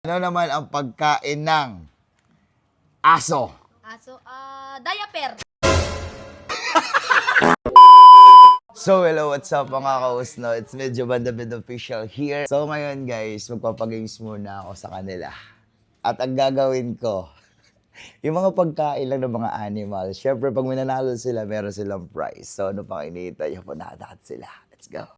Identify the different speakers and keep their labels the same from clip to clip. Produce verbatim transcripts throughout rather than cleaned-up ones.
Speaker 1: Ano naman ang pagkain ng aso?
Speaker 2: Aso, ah, diaper.
Speaker 1: So, hello, what's up mga kausno? It's medyo Bandabid Official here. So, ngayon guys, magpapagames muna ako sa kanila. At ang gagawin ko, yung mga pagkain lang ng mga animals. Siyempre, pag minanalo sila, meron silang prize. So, ano pang iniintay? Punadahat sila. Let's go.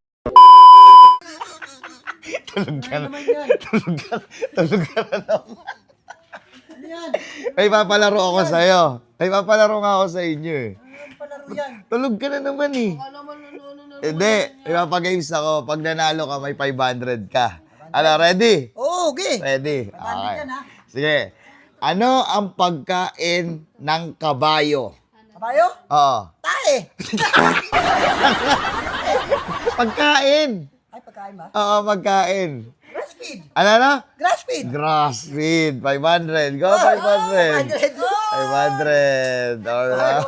Speaker 1: Tulog ka na. Tulog ka na. Tulog ka na naman.
Speaker 3: Ano yan?
Speaker 1: May papalaro ako sa'yo. May papalaro nga ako sa inyo eh.
Speaker 3: Ano palaro yan?
Speaker 1: Tulog ka na naman eh. Hindi, ipapagames ako. Pag nanalo ka, may five hundred ka. Ano, ready?
Speaker 3: Oo, okay.
Speaker 1: Ready?
Speaker 3: five hundred
Speaker 1: Okay.
Speaker 3: yan, ha?
Speaker 1: Sige. Ano ang pagkain ng kabayo?
Speaker 3: Kabayo?
Speaker 1: Oo.
Speaker 3: Tae.
Speaker 1: Pagkain.
Speaker 3: Ay, pagkain ba?
Speaker 1: Oo, pagkain.
Speaker 3: Grass feed.
Speaker 1: Ano na?
Speaker 3: Grass feed.
Speaker 1: Grass feed. five hundred. Go, five hundred. five hundred. Alright.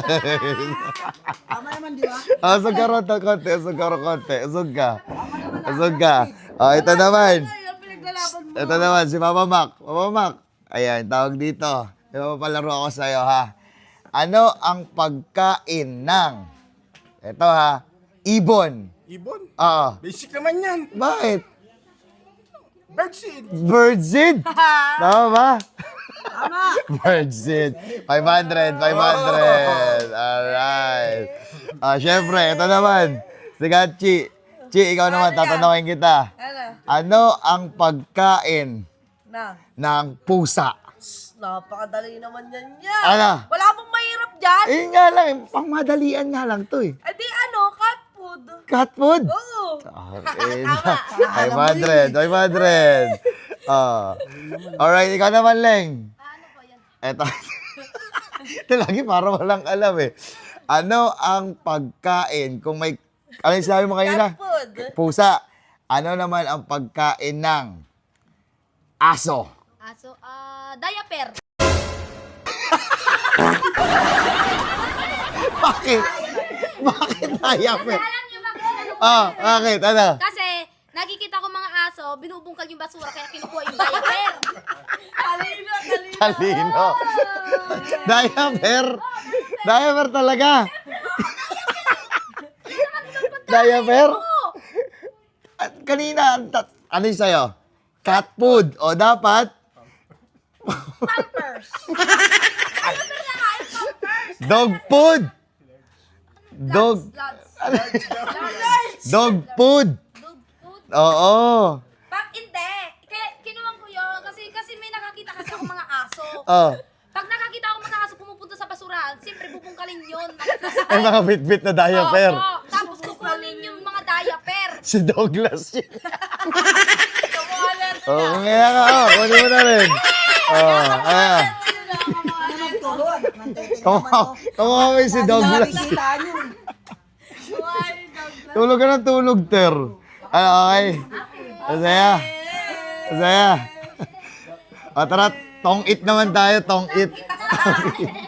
Speaker 3: Tama naman, di ba?
Speaker 1: Ah, usog ka ron, konti. Usog ka ron, konti. Usog ka. Usog ka. Oh, ito naman. Ito naman, si Mama Mac. Mama Mac. Ayan, tawag dito. May mapapalaro ako sa'yo, ha? Ano ang pagkain ng... Ito, ha? Ibon.
Speaker 4: Ibon?
Speaker 1: Oo.
Speaker 4: Basic naman yan.
Speaker 1: Bakit?
Speaker 4: Birdseed.
Speaker 1: Birdseed. Tama ba?
Speaker 3: Tama.
Speaker 1: Birdseed. five hundred, five hundred. Alright. Ah, syempre, ito naman. Sige, Chi. Chi, ikaw naman, tatanungin kita. Ano ang pagkain
Speaker 5: Na,
Speaker 1: ng pusa?
Speaker 5: napakadali naman yan yan.
Speaker 1: Ano?
Speaker 5: Wala pong mahirap dyan.
Speaker 1: Eh nga lang, pangmadalian nga lang to eh.
Speaker 5: Eh di ano, cat food.
Speaker 1: Cat food?
Speaker 5: Oo.
Speaker 1: Okay. five hundred, five hundred. Ah. Alright, ikaw naman, Leng.
Speaker 2: Ano po yan?
Speaker 1: Eto. Ito lagi para walang alam eh. Ano ang pagkain kung may... Ano yung sinabi mo kanina?
Speaker 5: Cat food.
Speaker 1: Pusa. Ano naman ang pagkain ng aso?
Speaker 2: Aso, ah, diaper.
Speaker 1: Bakit? Bakit diaper?
Speaker 2: Alam niyo ba kung ano po
Speaker 1: Ah,
Speaker 2: yun?
Speaker 1: bakit? Ano?
Speaker 2: Kasi, nakikita ko mga aso, binubungkal yung basura, kaya kinukuha yung diaper.
Speaker 5: Talino, talino.
Speaker 1: Talino. Diaper? Diaper talaga? Diaper?
Speaker 2: Oo.
Speaker 1: At kanina, ang tat- ano yung sa'yo? Cat food. O dapat?
Speaker 5: Pampers.
Speaker 1: Dog food. Dog.
Speaker 2: Lots.
Speaker 1: Dog food.
Speaker 2: Dog food.
Speaker 1: Oo.
Speaker 2: Pag hindi, kaya kinuwang ko yun, kasi, kasi may nakakita kasi ako mga aso.
Speaker 1: Oh.
Speaker 2: Pag nakakita ako mga aso pumupunta sa basurahan, siyempre bubungkalin yun.
Speaker 1: May mga bit-bit na diaper.
Speaker 2: Oo, tapos kukunin yung mga diaper.
Speaker 1: Si Douglas yun.
Speaker 5: Kamuhalan.
Speaker 1: Oo, oh, kaya ka. Oh, kunin mo na rin. Oo, ayan.
Speaker 3: Ano magturuan? Mantitig
Speaker 1: Kamu-
Speaker 3: naman, oh.
Speaker 1: Kamuha si Douglas.
Speaker 3: Nakikita yun.
Speaker 1: Tulog ka ng tulog, Ter. Ano, okay? Masaya. Masaya. O, tara, tong it naman tayo, tong it.